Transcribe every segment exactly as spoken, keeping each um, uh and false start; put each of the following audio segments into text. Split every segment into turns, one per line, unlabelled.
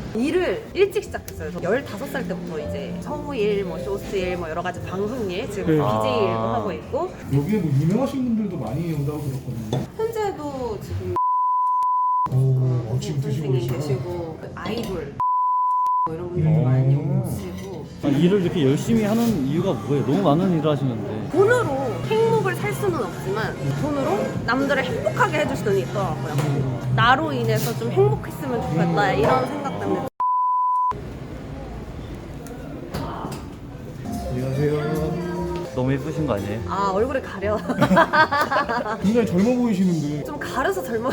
일을 일찍 시작했어요. 저 열다섯 살 때부터 이제 성우일, 뭐 쇼스일, 뭐 여러 가지 방송일, 지금
네.
비제이 일도
아.
하고 있고,
여기에 뭐 유명하신 분들도 많이 온다고 들었거든요.
현재도 지금
오, 어, 지금 드시고
선생님
계시죠?
계시고 아이돌 뭐 이런 분들
음.
많이 오시고.
아, 일을 이렇게 열심히 하는 이유가 뭐예요? 너무 많은 일을 하시는데.
돈으로 행복을 살 수는 없지만 돈으로 남들을 행복하게 해줄 수는 있더라고요. 나로 인해서 좀 행복했으면 좋겠다 이런 생각 때문에.
안녕하세요.
너무 예쁘신 거 아니에요?
아, 얼굴이 가려.
굉장히 젊어 보이시는데
좀 가려서 젊어.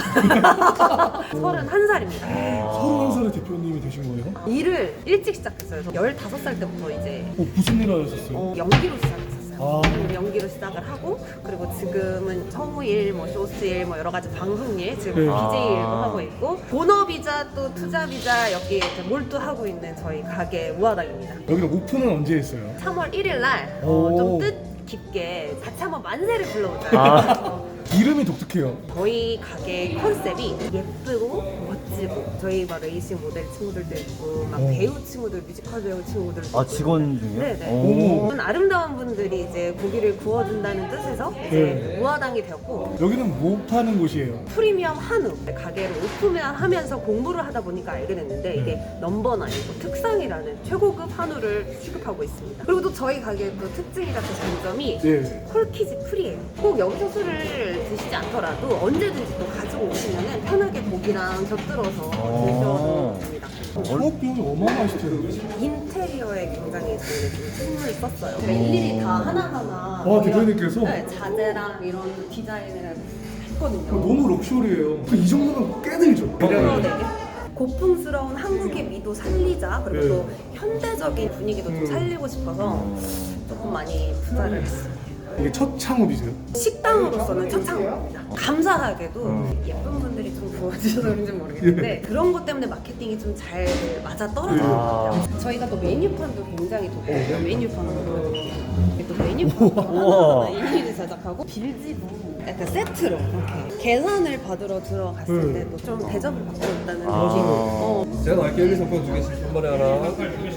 서른한 살입니다.
서른한 살의 대표님이 되신 거예요?
일을 일찍 시작했어요. 저 열다섯 살 때부터 이제
어, 무슨 일 하셨어요?
어, 연기로 시작했었어요.
아.
연기로 시작을 하고, 그리고 지금은 성우일, 뭐 쇼스일, 뭐 여러 가지 방송일, 지금
네.
비제이 일도
아.
하고 있고, 본업이자 또 투잡이자 여기 이제 몰두하고 있는 저희 가게 우아당입니다.
여기는 오픈은 언제 했어요?
삼월 일일 날
오.
좀 뜻깊게 같이 한번 만세를 불러보자.
아.
이름이 독특해요.
저희 가게 컨셉이 예쁘고 멋지고, 저희 막 레이싱 모델 친구들도 있고, 막
오.
배우 친구들, 뮤지컬 배우 친구들도 있고.
아, 직원 중이요?
네네.
오.
저는 아름다운 분들이 이제 고기를 구워준다는 뜻에서 이제
네.
우아당이 되었고,
여기는 뭐 파는 곳이에요?
프리미엄 한우 가게를 오픈하면서 공부를 하다 보니까 알게 됐는데, 이게 넘버 나인고 특상이라는 최고급 한우를 취급하고 있습니다. 그리고 또 저희 가게의 또 특징이자 또 장점이
네.
콜키지 프리예요. 꼭 여기서 술을 드시지 않더라도 언제든지 또 가지고 오시면 편하게 고기랑 곁들여서 드셔도 됩니다.
창업 비용이 어마어마하실 텐데.
인테리어에 굉장히 저희가 좀 힘을 썼어요. 그러니까 일일이 다 하나하나
아, 대표님께서?
네, 자재랑 이런 디자인을 했거든요.
너무 럭셔리해요. 그 이 정도면 꽤 들죠.
그리고 되게 고풍스러운 한국의 미도 살리자, 그리고
네.
또 현대적인 분위기도 좀
음.
살리고 싶어서 조금 많이 투자를 했어요.
이게 첫 창업이세요?
식당으로서는 첫 창업입니다. 감사하게도 예쁜 분들이 좀 구워주셔서 그런지 모르겠는데 그런 것 때문에 마케팅이 좀 잘 맞아 떨어진 것 같아요. 저희가 또 메뉴판도 굉장히 좋고요. 메뉴판으로 또 메뉴판 일일이 제작하고 빌지도 약간 세트로 이렇게 계산을 받으러 들어갔을
네.
때도 좀 대접을 받고 있다는 느낌.
아.
어,
제가 나갈게요. 여기 상품 두 개씩 한 번에 하나.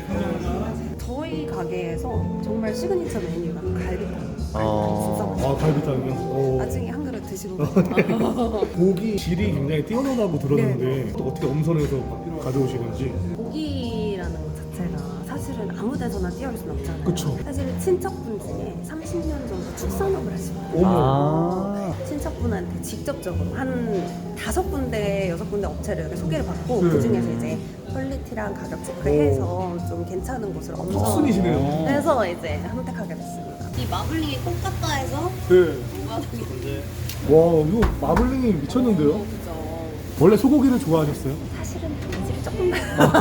저희 가게에서 정말 시그니처 메뉴가 갈비탕.
아.
진짜
아, 갈비탕이요? 어.
나중에 한 그릇 드시고 가세요.
고기 질이 굉장히 뛰어나다고 들었는데 또 어떻게 엄선해서 가져오시는지.
고기라는 것 자체가 사실은 아무 데서나 뛰어올 수는 없잖아요.
그쵸.
사실 친척분 중에 삼십 년 정도 축산업을 하시고
어머.
아.
친척분한테 직접적으로 한 다섯 군데, 여섯 군데 업체를 이렇게 소개를 받고
네.
그 중에서 이제 퀄리티랑 가격 체크해서 좀 괜찮은 곳을 엄선
턱순이시네요.
해서 이제 선택하게 됐습니다. 이 마블링이 똑같다 해서
네.
우아당이
와, 이거 마블링이 미쳤는데요?
그죠.
원래 소고기를 좋아하셨어요?
사실은 본질이 조금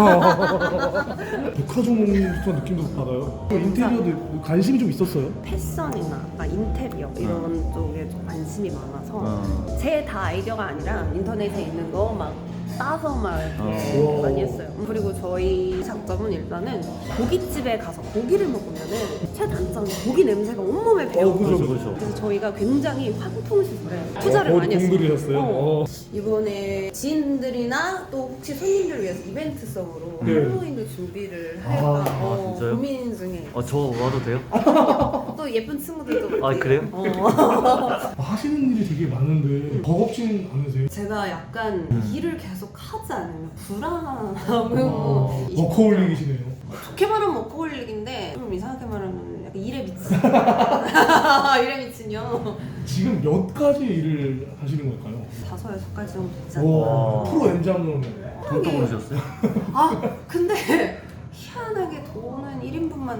백화점 느낌도 받아요. 인테리어도 관심이 좀 있었어요?
패션이나 막 인테리어 이런 쪽에 좀 관심이 많아서
어.
제 다 아이디어가 아니라 인터넷에 있는 거 막 따서 막 이렇게
어.
많이 했어요. 그리고 저희 장점은 일단은 고깃집에 가서 고기를 먹으면은 최단점이 고기 냄새가 온몸에 배어.
어, 그죠,
그렇죠,
그죠.
그렇죠.
그래서 저희가 굉장히 환풍시설에 투자를
어,
많이 했어요.
공들이셨어요?
어.
어.
이번에 지인들이나 또 혹시 손님들을 위해서 이벤트성으로
네.
할로윈을 준비를 할까
아,
어,
진짜요?
고민 중에.
어, 저 와도 돼요?
또 예쁜 친구들도
아,
많고.
그래요?
어.
하시는 일이 되게 많은데 버겁지는 않으세요?
제가 약간
음.
일을 계속 하지 않으면
아,
불안하고
워커홀릭이시네요.
좋게 말하면 워커홀릭인데 좀 이상하게 말하면 약간 일에 미친 일에 미친요.
지금 몇 가지 일을 하시는 걸까요?
다섯 여섯 가지 정도 되지
와,
않나.
프로 M장으로는
돈도 모르셨어요?
아 근데 희한하게 돈은 일 인분만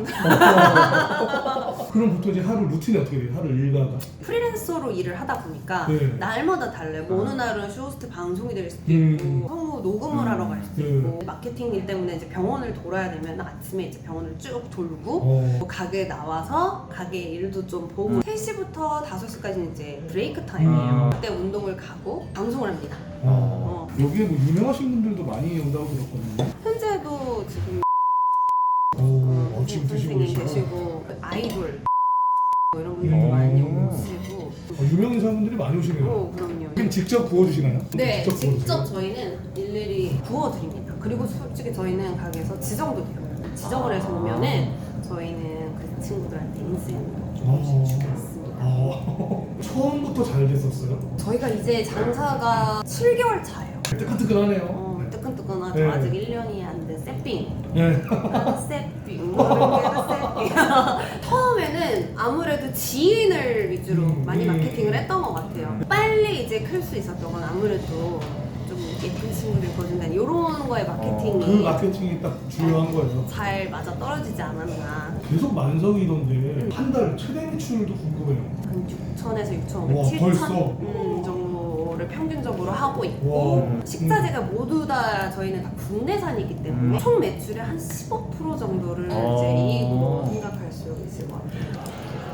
그럼 보통 이제 하루 루틴이 어떻게 돼요? 하루 일과가?
프리랜서로 일을 하다 보니까
네.
날마다 달래고 어느 날은 쇼호스트 방송이 될 수도
음.
있고 성우 녹음을 하러 갈 수도
음.
있고 마케팅 일 때문에 이제 병원을 돌아야 되면 아침에 이제 병원을 쭉 돌고
어.
뭐 가게 나와서 가게 일도 좀 보고 세 시부터 다섯 시까지는 이제 브레이크 타임이에요.
음.
그때 운동을 가고 방송을 합니다.
어. 여기에 뭐 유명하신 분들도 많이 온다고 들었거든요.
현재도 지금
오, 어, 지금 드시고
선생님
계시죠?
계시고 아이돌 뭐 이런 분들도
음.
많이 오시고
어, 유명 인사분들이 많이 오시네요.
어, 그럼요.
그럼 직접 구워주시나요?
네,
구워주세요?
직접 저희는 일일이 구워드립니다. 그리고 솔직히 저희는 가게에서 지정도 돼요. 지정을 해서 오면은 저희는 그 친구들한테 인센티브 주고 있습니다.
아, 처음부터 잘 됐었어요?
저희가 이제 장사가 칠 개월 차예요.
뜨끈뜨끈하네요.
어, 뜨끈뜨끈하죠.
네.
아직 일 년이 안 된 세핑.
네.
세핑. 모르게도 세핑. 처음에는 아무래도 지인을 위주로
음,
많이
음.
마케팅을 했던 것 같아요. 빨리 이제 클 수 있었던 건 아무래도 좀 예쁜 친구들 거준다는 이런 거에 마케팅이
그 마케팅이 딱 중요한 거예요.
잘 맞아 떨어지지 않았나.
계속 만성이던데 한 달 최대 매출도 궁금해요.
한 육천에서 육천오백,
와,
칠천
벌써?
음, 정도를 평균적으로 하고 있고
와.
식자재가 모두 다 저희는 다 국내산이기 때문에
음.
총 매출의 한 십오 퍼센트 정도를
어.
이제 이익으로 생각할 수 있을 것 같아요.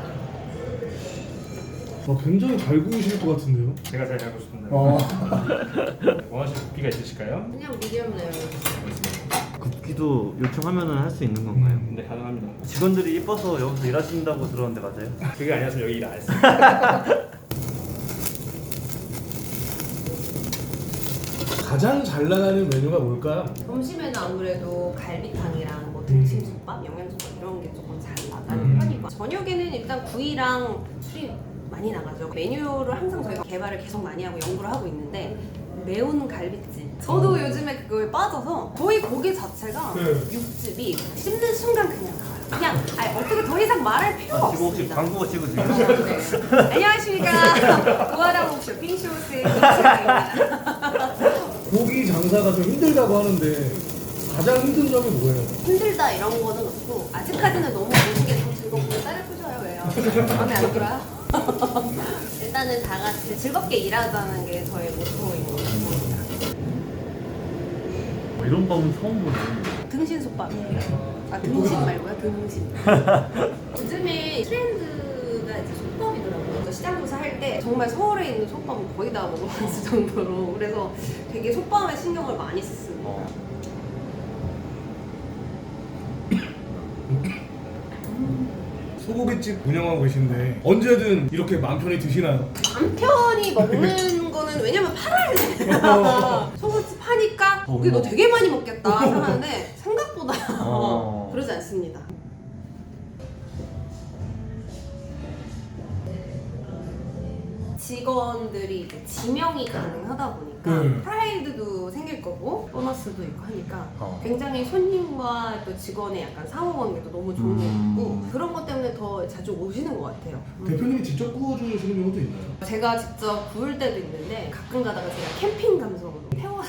아, 굉장히 잘 구우실 것 같은데요?
제가 잘 알고 싶은데
아,
원하시는 굽기가 있으실까요?
그냥 미디엄 레어.
굽기도 요청하면은 할 수 있는 건가요?
네 가능합니다.
직원들이 이뻐서 여기서 일하신다고 들었는데 맞아요?
그게 아니었으면 여기 일 안 했어요.
가장 잘 나가는 메뉴가 뭘까요?
점심에는 아무래도 갈비탕이랑 뭐 등심솥밥, 영양솥밥 이런 게 조금 잘 나가는 편이고 저녁에는 일단 구이랑 술이 많이 나가죠. 메뉴를 항상 저희가 개발을 계속 많이 하고 연구를 하고 있는데 매운 갈비찜. 저도 요즘에 그거에 빠져서 저희 고기 자체가
네.
육즙이 씹는 순간 그냥 나와요. 그냥 아니, 어떻게 더 이상 말할 필요가
아, 지금 혹시
없습니다.
광고 찍으세요?
네. 안녕하십니까. 도화라복 쇼핑쇼스의 김치아입니다.
고기 장사가 좀 힘들다고 하는데 가장 힘든 점이 뭐예요?
힘들다 이런 거는 없고 아직까지는 너무 모든 게 너무 즐겁고 딸을 부셔요. 왜요? 마음에 안 들어요? 일단은 다 같이 즐겁게 일하자는 게 저의 모토인 것 같습니다.
뭐 이런 밤은 처음 보네.
등신솥밥이에요. 아 등신 말고요, 등신. 요즘에 트렌드가 이제 솥밥이더라고요. 저 시장조사 할 때 정말 서울에 있는 솥밥은 거의 다 먹어봤을 정도로 그래서 되게 솥밥에 신경을 많이 썼습니다.
어.
소고기집 운영하고 계신데 언제든 이렇게 마음 편히 드시나요?
남편이 먹는 거는 왜냐면 팔아야 되잖아. 소고기 파니까 고기 너 되게 많이 먹겠다 생각하는데 생각보다
어.
그러지 않습니다. 직원들이 이제 지명이 가능하다 보니까
네.
프라이드도 생길 거고 보너스도 있고 하니까
어.
굉장히 손님과 또 직원의 약간 상호관계도 너무 좋은 것
음.
같고 그런 것 때문에 더 자주 오시는 것 같아요. 음.
대표님이 직접 구워주시는 경우도 있나요?
제가 직접 구울 때도 있는데 가끔 가다가 제가 캠핑 감성으로 태워서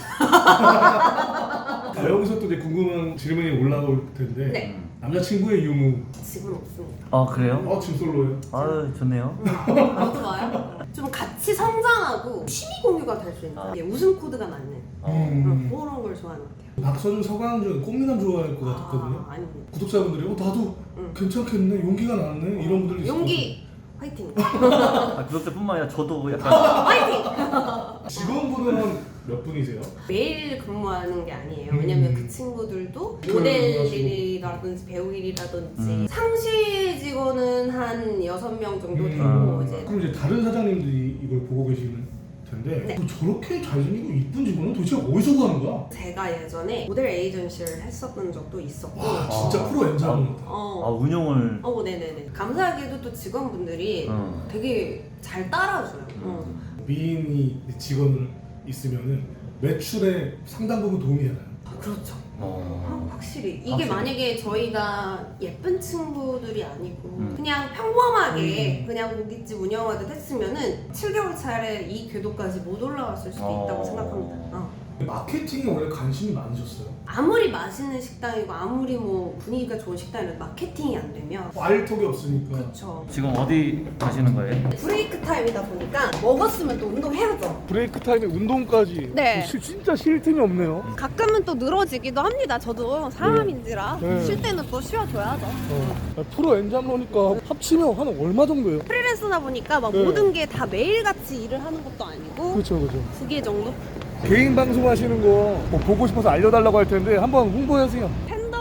아, 여기서 또 이제 궁금한 질문이 올라올 텐데
네.
남자친구의 유무
집은 없습니다.
아 그래요?
어 지금 솔로예요?
아유 좋네요.
안 좋아요? 좀 같이 성장하고 취미 공유가 될 수 있는
아.
예, 웃음 코드가 맞는
음.
그런 걸 좋아하는 것 같아요.
박서준, 서강준, 꽃미남 좋아할 것 같았거든요.
아, 아닙니다.
구독자분들이 어 나도
응.
괜찮겠네, 용기가 나네 이런 분들도 있을
용기 화이팅!
아, 구독자뿐만 아니라 저도 약간
화이팅!
것 같아요. 직원분은 몇 분이세요?
매일 근무하는 게 아니에요.
음.
왜냐면 그 친구들도 모델 일이라든지 배우 일이라든지
음.
상시 직원은 한 여섯 명 정도 되고
음.
이제
그럼 이제 다른 사장님들이 이걸 보고 계시는 텐데
네.
어, 저렇게 잘생기고 이쁜 직원은 도대체 어디서 구하는 거야?
제가 예전에 모델 에이전시를 했었던 적도 있었고
와 진짜 프로 엔자분 같아.
아
어,
운영을
어, 네네네. 감사하게도 또 직원분들이
어.
되게 잘 따라줘요. 어.
미인이 직원을 있으면은 매출에 상당 부분 도움이 되나요?
아, 그렇죠.
어.
확실히 이게
확실히.
만약에 저희가 예쁜 친구들이 아니고
음.
그냥 평범하게
음.
그냥 고깃집 운영하듯 했으면은 칠 개월 차례 이 궤도까지 못 올라왔을 수도
어.
있다고 생각합니다. 어.
마케팅에 원래 관심이 많으셨어요?
아무리 맛있는 식당이고 아무리 뭐 분위기가 좋은 식당이라도 마케팅이 안 되면
알 턱이 없으니까.
그렇죠.
지금 어디 가시는 거예요?
브레이크 타임이다 보니까 먹었으면 또 운동해야죠.
브레이크 타임에 운동까지.
네.
시- 진짜 쉴 틈이 없네요.
가끔은 또 늘어지기도 합니다. 저도 사람인지라
네.
쉴 때는 또 쉬어줘야죠.
어. 프로 엔잡러니까 합치면 한 얼마 정도예요?
프리랜서다 보니까 막
네.
모든 게 다 매일같이 일을 하는 것도 아니고
그렇죠, 그렇죠.
두 개 정도?
개인 방송 하시는 거 뭐 보고 싶어서 알려달라고 할 텐데 한번 홍보해주세요.
팬더라는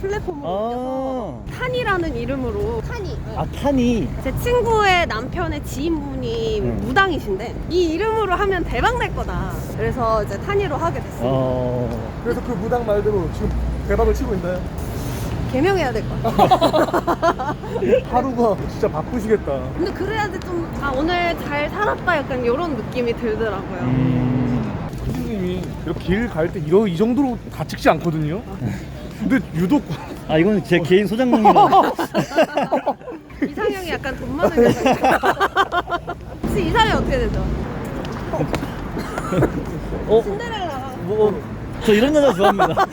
플랫폼으로
아,
옮겨서 탄이라는 이름으로 탄이.
아 탄이.
제 친구의 남편의 지인분이
음.
무당이신데 이 이름으로 하면 대박 날 거다. 그래서 이제 탄이로 하게 됐습니다.
어.
그래서 그 무당 말대로 지금 대박을 치고 있나요?
개명해야 될 것 같아.
하루가 진짜 바쁘시겠다.
근데 그래야지 좀 아 오늘 잘 살았다 약간 이런 느낌이 들더라고요.
음.
선생님이 이렇게 길 갈 때 이러 이 정도로 다치지 않거든요. 근데 유독
아 이건 제 개인 소장용이라.
이상형이 약간 돈 많은 여자. 혹시 이상형이 어떻게 되죠?
어?
신데렐라.
뭐, 저 이런 여자 좋아합니다.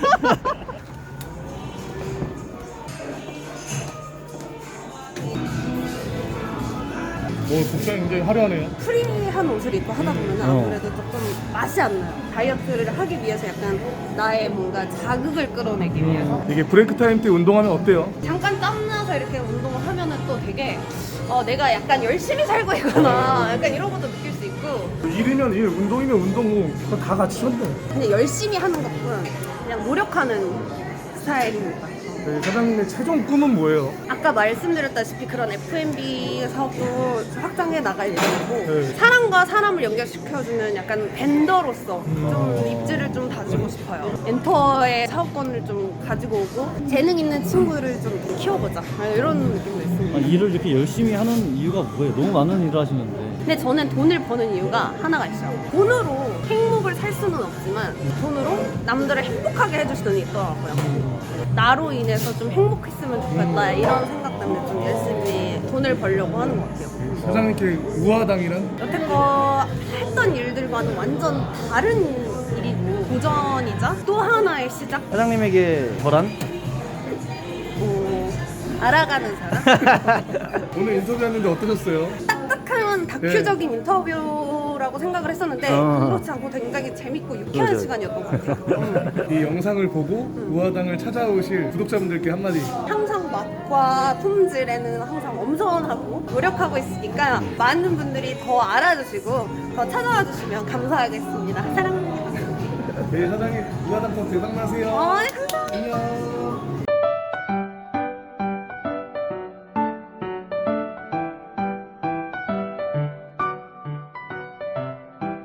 오 복장이 굉장히 화려하네요.
프리한 옷을 입고 하다 보면
어.
아무래도 조금 맛이 안 나요. 다이어트를 하기 위해서 약간 나의 뭔가 자극을 끌어내기 위해서
이게 브레이크 타임 때 운동하면 어때요?
잠깐 땀나서 이렇게 운동을 하면은 또 되게 어, 내가 약간 열심히 살고 있구나 약간 이런 것도 느낄 수 있고
일이면 일, 운동이면 운동, 뭐 그거 다 같이 쳤네.
그냥 열심히 하는 것뿐 그냥 노력하는 스타일입니다.
네, 사장님의 최종 꿈은 뭐예요?
아까 말씀드렸다시피 그런 에프앤비 사업도 확장해 나갈 예정이고
네.
사람과 사람을 연결시켜주는 약간 벤더로서 좀 입지를 좀 다지고 싶어요. 엔터의 사업권을 좀 가지고 오고 재능 있는 친구를 좀 키워보자 이런 느낌도 있습니다.
아, 일을 이렇게 열심히 하는 이유가 뭐예요? 너무 많은 일을 하시는데.
근데 저는 돈을 버는 이유가 하나가 있어요. 돈으로 행복을 살 수는 없지만 돈으로 남들을 행복하게 해줄 수는 있더라고요. 나로 인해서 좀 행복했으면 좋겠다 이런 생각 때문에 좀 열심히 돈을 벌려고 하는 것 같아요.
사장님께 우아당이란?
여태껏 했던 일들과는 완전 다른 일이고 도전이자 또 하나의 시작?
사장님에게 저란?
뭐 알아가는 사람?
오늘 인터뷰했는데 어떠셨어요?
딱딱한 다큐적인 인터뷰라고 생각을 했었는데
어.
그렇지 않고 굉장히 재밌고 유쾌한
맞아요.
시간이었던 것 같아요. 음.
이 영상을 보고 우아당을 찾아오실 구독자분들께 한마디.
항상 맛과 품질에는 항상 엄선하고 노력하고 있으니까 많은 분들이 더 알아주시고 더 찾아와 주시면 감사하겠습니다. 사랑합니다.
네, 사장님 우아당 콘 대박 나세요.
어, 감사합니다.
안녕.